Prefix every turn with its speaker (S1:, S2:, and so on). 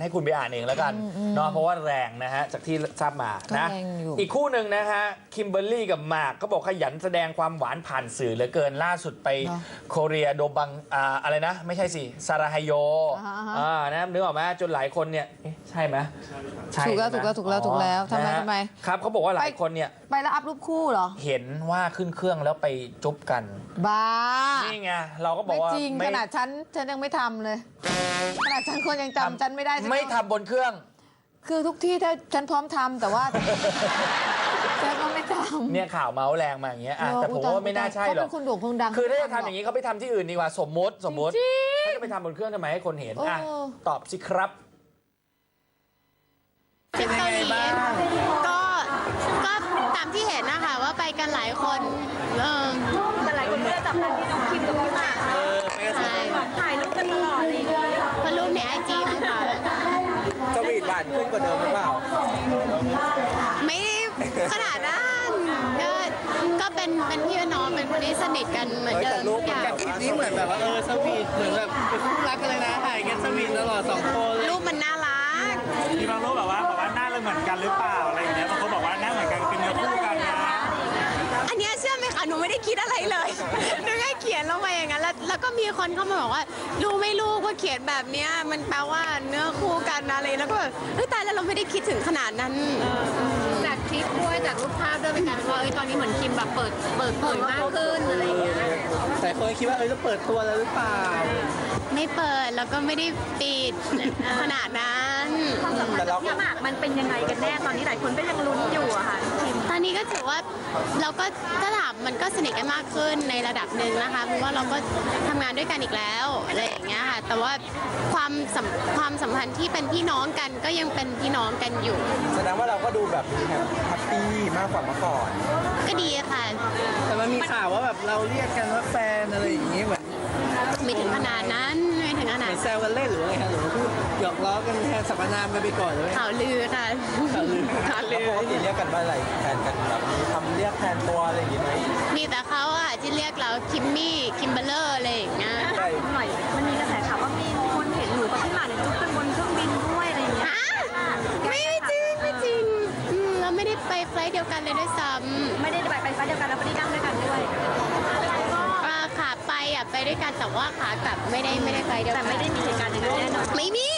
S1: ให้คุณไปอ่านเองแล้วกันเนาะเพราะว่าแรงนะฮะจากที่ทราบมานะอีกคู่หนึ่งนะฮะคิมเบอร์รี่กับหมากก็บอกขยันแสดงความหวานผ่านสื่อเหลือเกินล่าสุดไปโคเรียโดบังอะไรนะไม่ใช่สิซาราไฮโยนะนึกออกไหมจนหลายคนเนี่ยใช่ไหม
S2: ถูกแล้วทำไม
S1: ครับเขาบอกว่าหลายคนเนี่ย
S2: ไปแล้วอัพรูปคู่เหรอ
S1: เห็นว่าขึ้นเครื่องแล้วไปจุ๊บกัน
S2: บ้า
S1: นี่ไงเราก็บอกว่า
S2: ไม่จริงขนาดฉันยังไม่ทำเลยขนาดฉันคนยังจำฉันไม่ได้
S1: ไม่ทำบนเครื่อง
S2: คือทุกที่ถ้าฉันพร้อมทำแต่ว่าฉันก็ไม่ทำ
S1: เนี่ยข่าวเมาส์แรงมาอย่างเงี้ยแต่ผมว่าไม่น่าใช่หรอก
S2: เขาเป็นคนโด่งคนดัง
S1: คือถ้าจะทำอย่างนี้เขาไปทำที่อื่นดีกว่าสมมติถ้าจะไปทำบนเครื่องทำไมให้คนเห็นตอบสิครับ
S3: เป็นเกาหลีก็ตามที่เห็นนะคะว่าไปกันหลายคน
S4: แต่หลายคนก็จะจับตาที่น้องคิมกับพี่หมากถ่ายรูปกันตลอดเลย
S3: เพราะรูปในไอจีมั้งค่ะ
S5: สวีทหวานขึ้นกว่าเดิมหรือเปล่า
S3: ไม่ขนาดนั้นก็เป็นพี่น้องเป็นคนที่สนิทกันเหมือนเดิม
S5: รูปกับคลิปนี้เหมือนแบบว่าสวีทเหมือนแบบเป็นคู่รักกันเลยนะถ่ายกันสวีทตลอด2 คน
S3: รูปมันน่ารัก
S6: มีบางรูปแบบว่าหน้าเราเหมือนกันหรือเปล่าอะไรอย่างเงี้ยบางคนบอกว่าหน้าเหมือนกันเป็นเนื้อคู่กันนะ
S3: อันนี้เชื่อไหมคะหนูไม่ได้คิดอะไรเลยหนูแค่เขียนลงมาอย่างนั้นแล้วก็มีคนเข้ามาบอกว่ารู้ไม่รู้ว่าเขียนแบบเนี้ยมันแปลว่าเนื้อคู่กันอะไรแล้วก็แบบตายแล้วเราไม่ได้คิดถึงขนาดนั้น
S4: จากคลิปด้วยจากรูปภาพด้วยเป็นการว่าตอนนี้เหมือนคิมแบบเปิดเผยมากขึ้นอะไรอย่างเงี้ย
S5: แต่คนคิดว่าจะเปิดตัวแล้วหรือเปล่า
S3: ไม่เปิดแล้วก็ไม่ได้ปิดขนาดนั้น
S4: แต่เราพี่หมากมันเป็นยังไงกันแน่ตอนนี้หลายคนก็ยังลุ้นอยู่อะค่ะ
S3: ตอนนี้ก็ถือว่าเราก็ถ้าถามมันก็สนิทกันมากขึ้นในระดับหนึ่งนะคะเพราะว่าเราก็ทำงานด้วยกันอีกแล้วอะไรอย่างเงี้ยค่ะแต่ว่าความสัมพันธ์ที่เป็นพี่น้องกันก็ยังเป็นพี่น้องกันอยู่
S5: แสดงว่าเราก็ดูแบบแฮปปี้มากกว่าเมื่อก่อน
S3: ก็ดีค่ะ
S5: แต่มันมีข่าวว่าแบบเราเรียกกันว่าแฟนอะไรอย่างงี้เหมือน
S3: ไม่ถึงขนาดนั้นไม่ถึงขนาด
S5: แซวกันเล่นหรือไงคะหรือพูดหยอกล้อกันแทนสรรพนามไปก่อนเลย
S3: ข่าวลือค่ะข่าวลือ
S5: ปกติเรียกกันว่าอะไรแทนกันแบบทำเรียกแทนตัวอะไรอย่างงี้ไหม
S3: มีแต่เขาอะที่เรียกเราคิมมี่คิมเบอร์เลอร์อะไรอย่างเงี้ย
S4: หน่อยมันมีกระแสข่าวว่ามีคนเห็นหนูกับพี่หมากเนี่ยจุ๊บกันบนเครื่องบินด้วยอะไรอย่างเงี้ย
S3: ไม่จริงเราไม่ได้ไปไฟล์เดียวกันเลยด้วยซ้ำ
S4: ไม่ได้ไปไฟล์เดียวกันแล้วไม่ได้นั่งด้วยกันด้วย
S3: ขาไปอะไปด้วยกันแต่ว่าขากลับไม่ได้ไปเดียวกัน
S4: แต่ไม่ได้มีเหตุการณ์อย่างนั้นแน่นอน
S3: ไม่มี